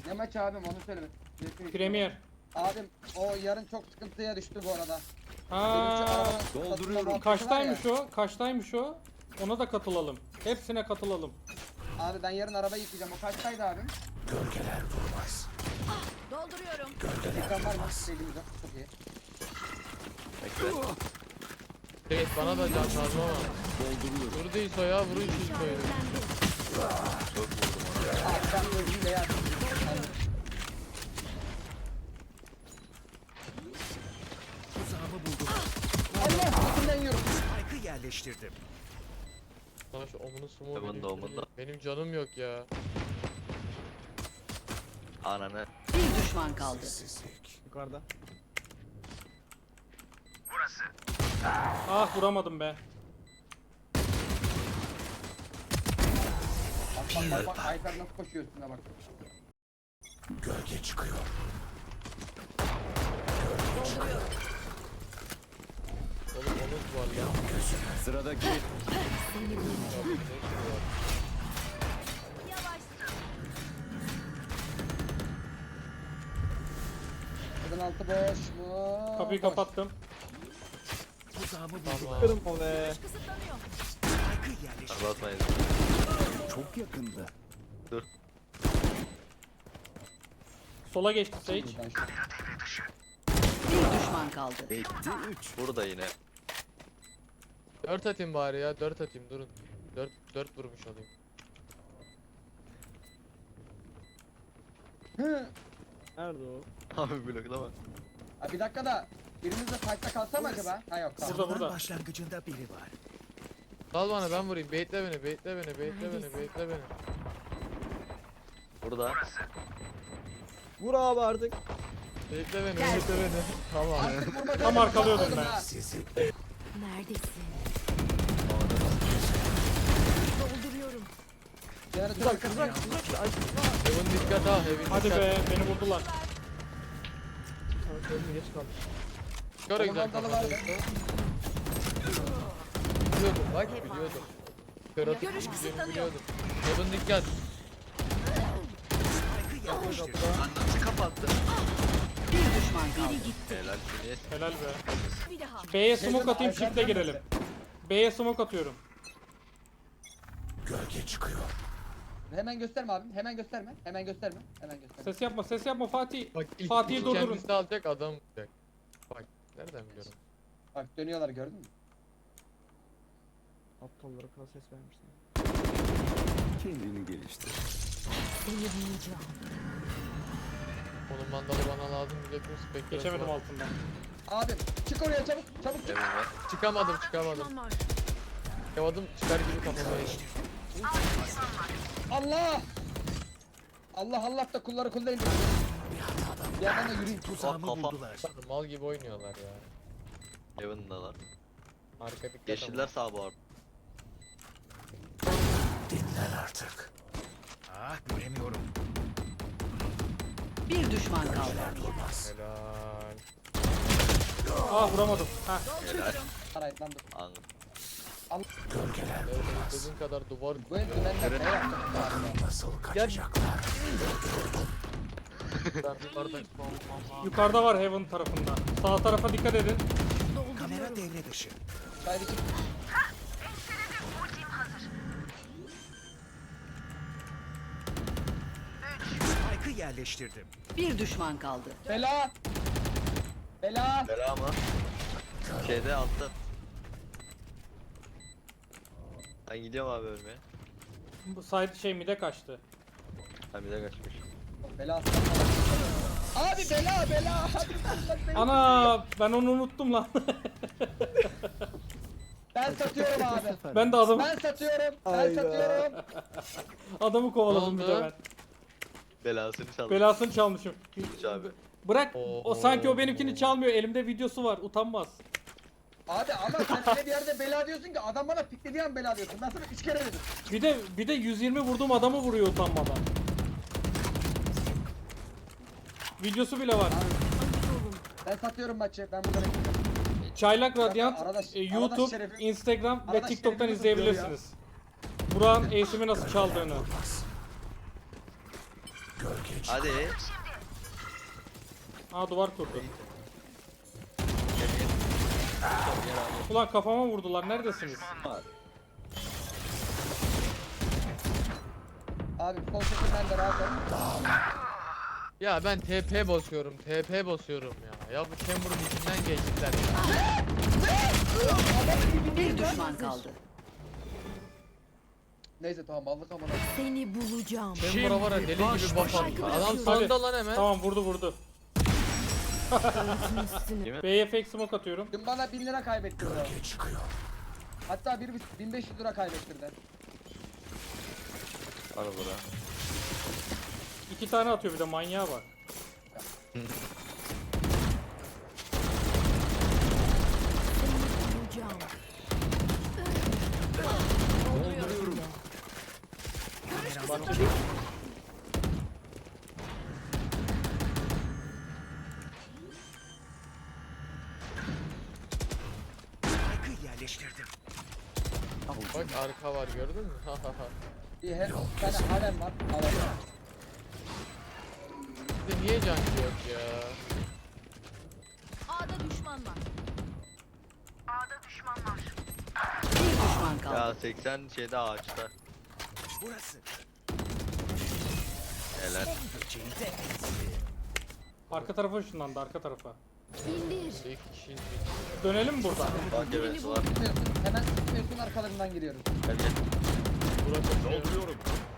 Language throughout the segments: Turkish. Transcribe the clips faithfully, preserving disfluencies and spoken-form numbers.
Ne maçı abim onu söyleme. Premier. Abim o yarın çok sıkıntıya düştü bu arada. Ha, Dolduruyorum. kaçtaymış o? Kaçtaymış o? Ona da katılalım. Hepsine katılalım. Abi ben yarın araba yıkayacağım. O kaçtaydı abim? Gölgeler vurmaz. Dolduruyorum. Ekran var mı? Sevgimiz yok. Çok iyi. Bekle. Evet bana da can lazım ama. Vurdu İso ya, vurun şu İso'yu. Çok vurdum ona. Abi ben gözümle yer. Tuzağımı buldum. Allah! İçinden yiyorum. Spike'ı yerleştirdim. Bana şu omunu sumu Heaven benim, doğumunda. benim canım yok ya. Ananı. Bir düşman kaldı. Sessizlik. Yukarıda. Ah vuramadım be. Bak bak bak bak. Ayfer nasıl koşuyor üstüne bak. Gölge çıkıyor. Oğlum omuz var ya. Sıradaki. Kadın altı boş mu? Kapıyı Boş. kapattım. Tuzağımı buldular. Kırım o be. Kısıtlanıyor. Spike'ı yerleştirdim. Araba atmayın. Çok yakında. Dur. Sola geçti Sage. Ben şu- Bir düşman kaldı. Etti üç. Burada yine. Dört atayım bari ya, dört atayım durun. Dört, dört vurmuş olayım. Hı. Nerede o? Abi bloklama. Ha, bir dakika da birimiz de fight'ta kalsa mı acaba? Ha yok tamam. Burada, Savunan burada. başlangıcında biri var. Sal bana, ben vurayım. Baitle beni, baitle beni, baitle beni, baitle beni. Burada. Vur abi artık. Baitle beni, baitle beni. Tamam. Artık vurma Tam canım, arkalıyordum patladım ben. ha. Sizi. Neredesin? Dolduruyorum. Jeneratör Kızak arkasına. kızak kızak. Ay Heaven dikkat ha, Heaven dikkat. Hadi be beni vurdular. sana söyleyeyim geç kaldım. Şöyle güzel Onun mandalı kafanı. vardı. Biliyordum bak, biliyordum. Kör atıp Görüş gideceğini kısıtlanıyor. biliyordum. Heaven dikkat. Spike'ı yerleştirdim. Nasıl kapattı? Bir düşman kaldı. Biri gitti. Helal Filiz. Helal be. Bir daha. B'ye smoke atayım Ayfer shift'e girelim. nerede? B'ye smoke atıyorum. Gölge çıkıyor. Hemen gösterme abim. Hemen gösterme. Hemen gösterme. Hemen gösterme. Ses yapma ses yapma Fatih. Bak ilk Fatih'i ilk durdurun. kendisi alacak adam olacak. Bak nereden biliyorum. Bak dönüyorlar gördün mü? Aptallara kadar ses vermişler. Kendini geliştir. Seni bulacağım. Onun mandalı bana lazım, milletin spektrası Geçemedim var. altından. Abim çık oraya çabuk. Çabuk çık. Heaven var. Çıkamadım, çıkamadım. Düşman var. Çıkamadım, çıkar gibi kafama yedim. Allah! Allah Allah da kulları kul değil. Bir yandan da yürüyün. Tuzağımı kafa. buldular. Mal gibi oynuyorlar ya. Heaven'dalar. Arka dikkat Yeşiller sağ bu arada. Dinlen artık. Ah göremiyorum. Bir düşman kaldı. Durmaz. Helal. Ah vuramadım. Heh. Helal. Arayet lan dur. Anladım. Gölgeler Evet, durmaz. istediğin kadar duvar Bu el dümenler ne yaptı? Nasıl kaçacaklar? ben yukarıdan Yukarıda var Heaven tarafında. Sağ tarafa dikkat edin. Kamera devre dışı. Haydi çık. Spike'ı yerleştirdim. Bir düşman kaldı. Bela! Bela! Bela mı? Şeyde altta. Ben gidiyorum abi ölmeye. Bu side şey mide kaçtı. Ha bir de kaçmış. Bela aslan. Abi bela bela! Abi, Ana ben onu unuttum lan. ben satıyorum abi. Ben de adamı Ben satıyorum. Ben Hayda. satıyorum. adamı kovaladım Ne bir de oldu? ben. Belasını çaldı. Belasını çalmışım. Hiç abi. Bırak o Oo. sanki o benimkini çalmıyor. Elimde videosu var. Utanmaz. Abi ama sen öyle bir yerde bela diyorsun ki adam bana piklediği an bela diyorsun. Ben sana üç kere dedim. Bir de bir de yüz yirmi vurduğum adamı vuruyor utanmadan. Videosu bile var. Ben satıyorum maçı. Ben burada bekliyorum. Çaylak Radyant Arada- e, arada YouTube, şerefim- Instagram ve arada TikTok'tan şerefimi izleyebilirsiniz. Burak'ın ace'imi nasıl çaldığını. Gölge Hadi. Aa duvar kurdu. Gel, gel. Gel abi. Ulan kafama vurdular. Neredesiniz? Abi sol seçimden de rahat ol. Ya ben T P basıyorum, T P basıyorum ya. Ya bu Chamber'ın içinden geçtiler ya. Bir düşman kaldı. Neyse tamam aldık amına. Seni bulacağım. Chamber'a var ya deli gibi buff attı. Adam sanda lan hemen. Tamam vurdu vurdu. Üstüne. B'ye fake smoke atıyorum. Dün bana bin lira kaybettirdi. Gölge çıkıyor. Hatta bir bin beş yüz lira kaybettirdi. Al bura. İki tane atıyor bir de manyağa bak. Seni bulacağım. Spike'ı yerleştirdim. Bak arka var gördün mü? Bir her bir tane harem var. Harem. Bizde niye can yok ya? A'da düşman var. Bir düşman kaldı. Ya seksen şeyde ağaçta. Burası. Helal. Böceği de Arka tarafa ışınlandı arka tarafa. İndir. İlk kişi Dönelim mi buradan? Bak evet var. Tutmuyorsun. Hemen tutmuyorsun arkalarından giriyoruz. Gel gel. Dolduruyorum.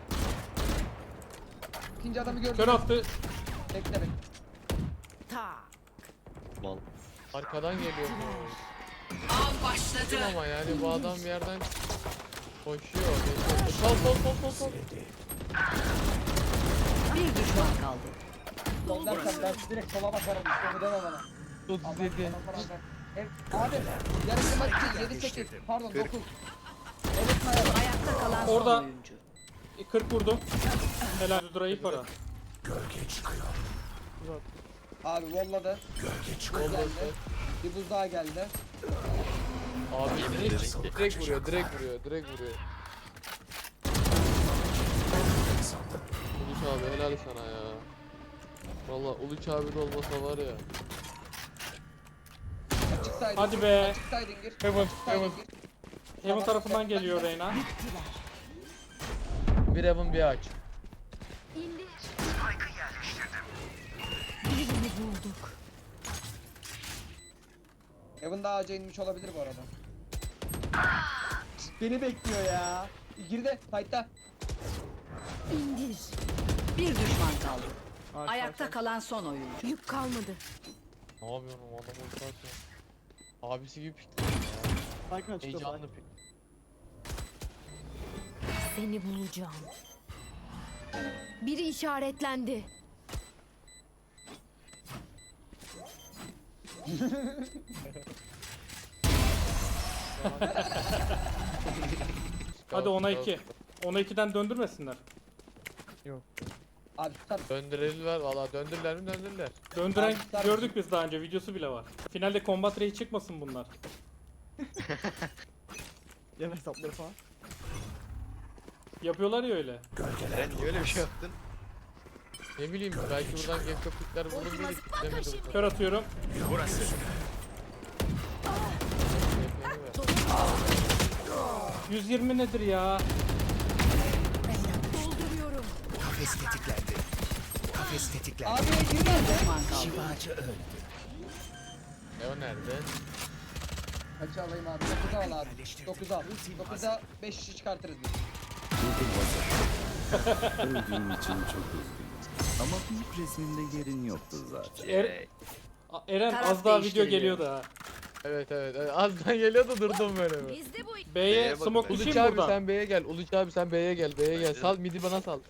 İkinci adamı gördüm. Kör attı. Bekle bekle. Ta. Mal. Arkadan geliyor bu. Av başladı. Ama yani bu adam bir yerden koşuyor. geçiyor. Sol sol sol sol sol. Bir düşman kaldı. Soldan sen ben direkt sola bakarım. İşte bu deme bana. otuz yedi. Allah Allah. Ev, abi yarısı maç değil yedi sekiz pardon dokuz. Evet merhaba. Ayakta kalan Orada. son oyuncu. kırk vurdum. Helal Dudra iyi para. gölge çıkıyor. Abi volladı. Gölge çıkıyor. Geldi. Bir buz daha geldi. Abi Yemin direkt, ederim ki. direkt vuruyor, direkt vuruyor, direkt vuruyor. Uluç abi helal sana ya. Valla Uluç abi de olmasa var ya. Açıksaydın. Hadi be. Açıksaydın gir. Heaven, Açıksaydın Heaven. gir. Heaven tarafından geliyor Reyna. Bir evin bir aç. İndir. Birini bulduk. Evan daha ağaca inmiş olabilir bu arada. Beni bekliyor ya. Girdi. Fight'ta. İndir. Bir düşman kaldı. Arka, Ayakta arka. kalan son oyuncu. Yük kalmadı. Ne yapıyorsun o adam ulti Abisi gibi pikliyor ya. Spike'ın açıkta Heyecanlı pik. Seni bulacağım. Biri işaretlendi. Hadi ona iki. ona ikiden döndürmesinler. Abi tutar. Döndürürler valla döndürürler mi döndürürler. Döndüren Abi, tutar gördük biz daha önce videosu bile var. Finalde combat ray çıkmasın bunlar. Yeme hesapları falan. Yapıyorlar ya öyle. Eren niye öyle bir şey yaptın? Ne bileyim belki buradan gekko pikler vurur diye piklemedi bu sefer. Kör atıyorum. Burası. yüz yirmi nedir ya? Dolduruyorum. Kafes tetiklendi. Kafes tetiklendi. Abi girdi. Düşman kaldı. Şifacı öldü. E o nerede? Kaçı alayım abi? dokuzu al abi. dokuzu al. dokuza beş kişi çıkartırız biz. Öldüğüm için çok üzgünüm. Ama büyük resmimde yerin yoktu zaten. Er A- Eren Taraf az daha video değiştiriliyor. geliyordu ha. Evet evet, evet. azdan geliyordu durdum böyle. bir. Bizde bu. B'ye B'ye bakın, smoke B'ye. Uluç düşeyim abi buradan. sen B'ye gel. Uluç abi sen B'ye gel. B'ye gel. Sal midi bana sal.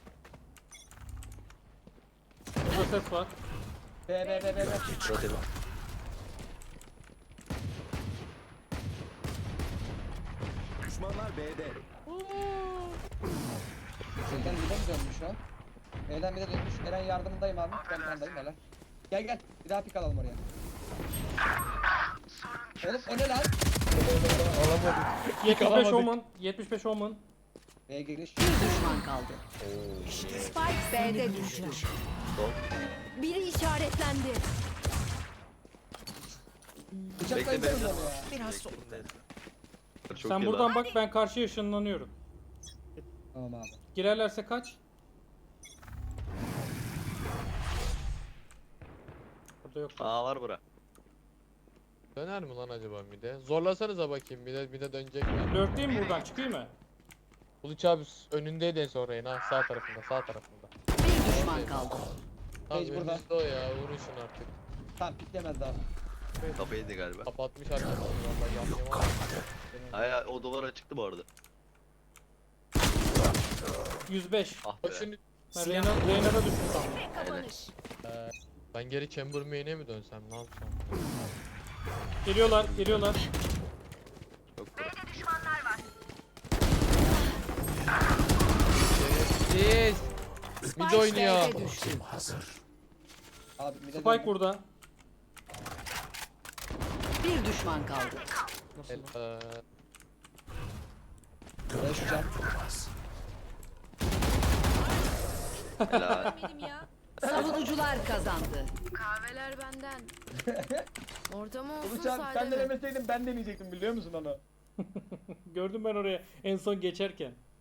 Burada ses var. Be be be be be. Rotate. Düşmanlar B'de. Eren bir de mi dönmüş şu an? Eren bir de dönmüş. Eren yardımındayım abi. Ben kandayım helal. Gel gel. Bir daha pik alalım oraya. Oğlum o ne lan? Alamadım. yetmiş beş Alamadık. Omen. yetmiş beş Omen. B'ye giriş. Bir düşman kaldı. Spike B'de düştü. Biri işaretlendi. Bıçakla Bekle gidelim bekle. onu ya. Biraz Bekle, solukta. neyse. Çok Sen iyi buradan lan. bak, ben karşıya ışınlanıyorum. Tamam abi. Girerlerse kaç? Burada yok. Aa var bura. Döner mi lan acaba mide? Zorlasanıza bakayım mide mide dönecek mi? Lurk değil mi buradan? Çıkıyor mu? Uluç abi önündeydi en son Reyna sağ tarafında sağ tarafında. Bir düşman kaldı. Tamam Sage burada. önünüzde o ya vuruşun artık. Tamam piklemez daha. Kafaydı galiba. Kapatmış arkasını vallahi yapmıyor ama. Ay ay, o duvara çıktı bu arada. yüz beş. Ah be. Şimdi Ben Reyna, Reyna'da düştü sandım. Kapanış. ben geri chamber main'e mi dönsem ne yapsam? Geliyorlar, geliyorlar. Yok bura. Siz mid oynuyor. B'de düştü. Hazır. Abi bir de Spike burada. Bir düşman kaldı. Eee, Beş can. Helal. Benim ya. Savunucular kazandı. Kahveler benden. Ortama olsun Uluç abi sade sen mi? denemeseydin ben deneyecektim biliyor musun onu? Gördüm ben oraya en son geçerken.